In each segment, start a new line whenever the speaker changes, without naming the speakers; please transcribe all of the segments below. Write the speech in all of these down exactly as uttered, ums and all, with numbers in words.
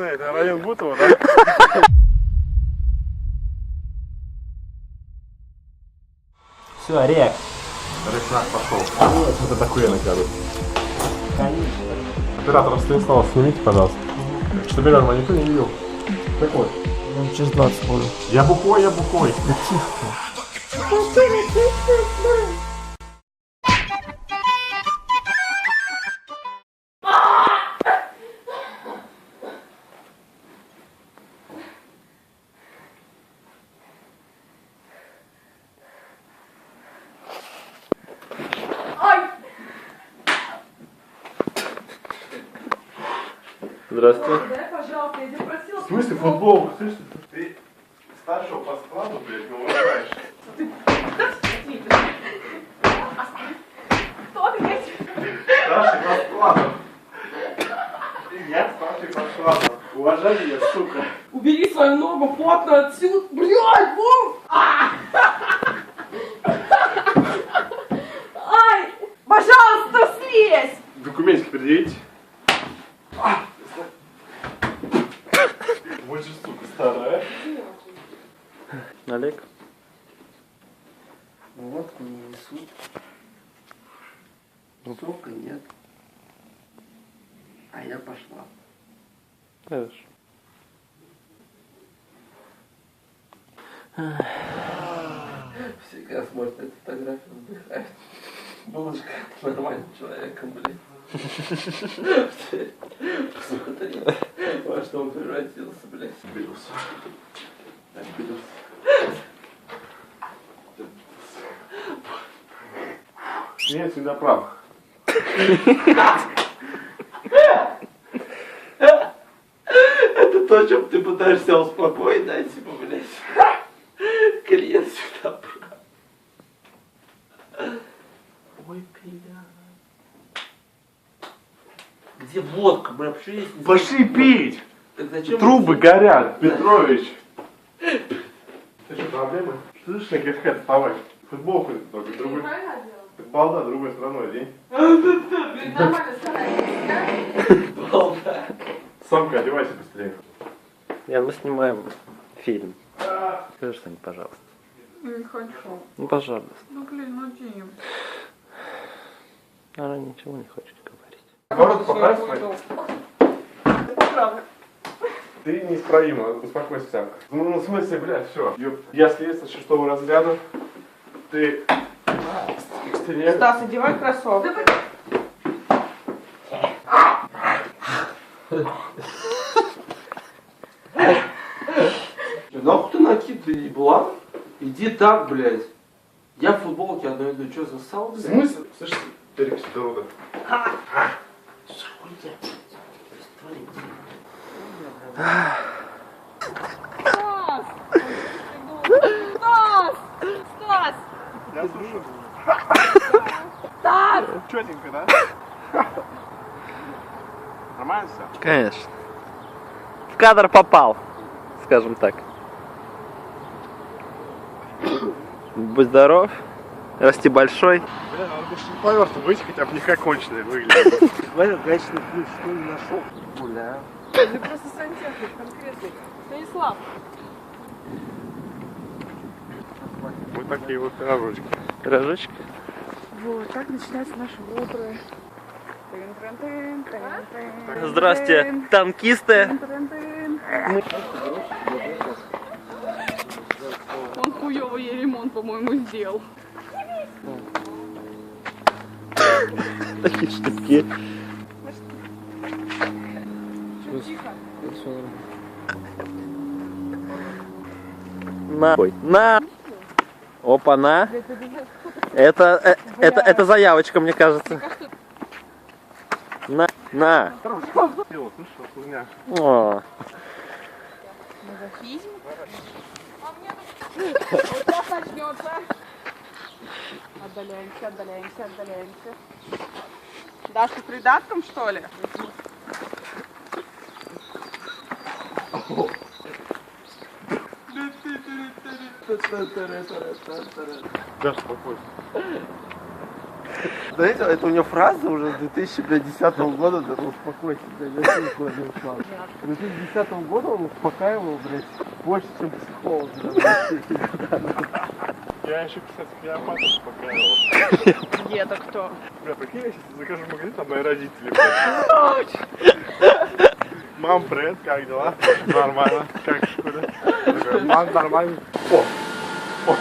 это район Бутово, да?
Все, Орек.
Рекнак пошел. Это такое накажут. Оператор Станислава, снимите, пожалуйста. Чтобы рядом никто не видел. Так вот.
Я через двадцать буду.
Я бухой, я бухой.
Да тихо.
Здравствуйте.
Дай, пожалуйста, я тебя просила.
В смысле футбол? Слышишь, ты старшего по складу, блядь, не уважаешь.
Ты... Кто ты, блядь?
Старший по складу. Я старший по складу. Уважай меня, сука.
Убери свою ногу плотно отсюда. Блядь, Вов! Ай! Пожалуйста, слезь!
Документики предъявите. Вот же, сука, старая.
Олег.
Водку не несут. Сока нет. А я пошла.
Хорошо.
Всегда смотрит эту фотографию, вздыхает. Булочка нормальным человеком, блядь. Посмотри, во что он превратился, блядь.
Обиделся.
Обиделся.
Нет, всегда прав.
Это то, чем ты пытаешься успокоить, да, типа, блядь. Клиент всегда прав. Ой, клиент. Где водка, бля, почему есть?
Пошли пить!
Так зачем?
Трубы горят, Петрович. Ты что, проблемы? Слышишь, на кэт вставай. Футболку только другой. Балда другой стороной одень.
Нормально старайся.
Балда.
Самка, одевайся быстрее.
Ян, мы снимаем фильм. Скажи что-нибудь, пожалуйста.
Не хочу.
Ну, пожалуйста.
Ну, блин, ну, Дим.
Она ничего не хочет говорить.
Наоборот, поправь свои.
Поправлю.
Ты неисправима, успокойся, Самка. Ну, ну, в смысле, блядь, все. Я следствие шестого разряда. Ты... экстерьер.
Стас, одевай кроссовки.
Нахуй ты накидывай, еблан? Иди так, блядь. Я в футболке одной иду, что, засал,
В
блядь?
смысле? Слышь, Терек Сидоруда.
Стас! Стас! Стас!
Я слушаю.
Стас!
Четенько, да? Нормально все?
Конечно. В кадр попал, скажем так. Будь здоров, расти большой.
Бля, надо больше не поверху быть, хотя бы не как конченый выглядит.
Смотри, гаечный ключ, что не нашел? Гуляю.
Ты просто сантехник конкретный. Станислав.
Вот такие вот пирожочки.
Пирожочек.
Вот, так начинается наше утро.
Здрасте, танкисты.
Он хуёвый ремонт, по-моему, сделал.
Такие штуки.
Тихо.
На. Ой, на. Опа, на. Это, э, это, это заявочка, мне кажется. На, на.
Слышал, хуйня.
О.
Мазохизм? А мне тут... Вот сейчас начнется. Отдаляемся, отдаляемся, отдаляемся. Дашка с придатком, что ли?
Да, спокойно.
Знаете, это у него фраза уже с две тысячи десятого года, да успокойся, да, я никуда не ушла.
немножко.
С две тысячи десятого года он успокаивал, блядь, больше, чем психолог.
Я еще, кстати, Клеопатру успокаивал.
Где это кто?
Бля, прикинь, я сейчас закажу в магазин, там мои родители. блядь. Мам, привет, как дела? Нормально. Как в школе? Я такой, Мам, нормально. О, о.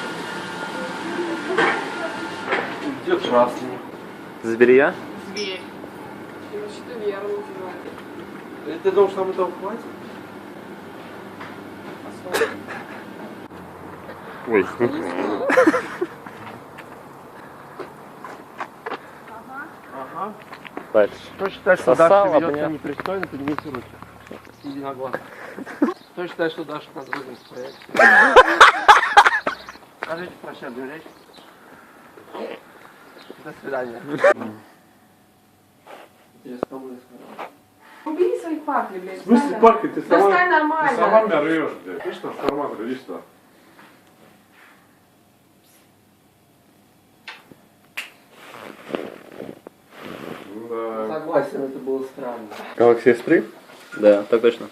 Где красный?
Зверя?
Зверь. Значит, верно называют.
Ты думаешь, нам этого хватит?
Ой.
Ага.
Дальше.
Кто считает, что
Сосал,
Даша ведет
обнял.
себя непристойно, поднимите руки. Единогласно. Кто считает, что Даша надо выгнать с проекта? Скажите прощальную речь. До свидания. Я с тобой сказал.
Убери свои пакли, блядь.
В смысле пакли? Ты сама,
Достань нормально.
ты сама меня рвешь, блядь. Видишь, трансформатор, иди сюда. Да.
Согласен, это было странно.
Galaxy эс три? Да, так точно.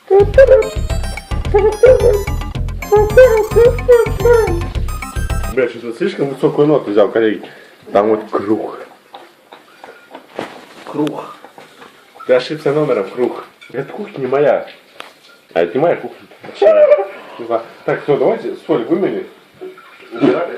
Бля, что-то слишком высокую ноту взял, коллеги. Там вот круг.
Круг.
Ты ошибся номером, круг. Эта кухня не моя. А это не моя кухня. Так, все, давайте соль вымели. Убирай.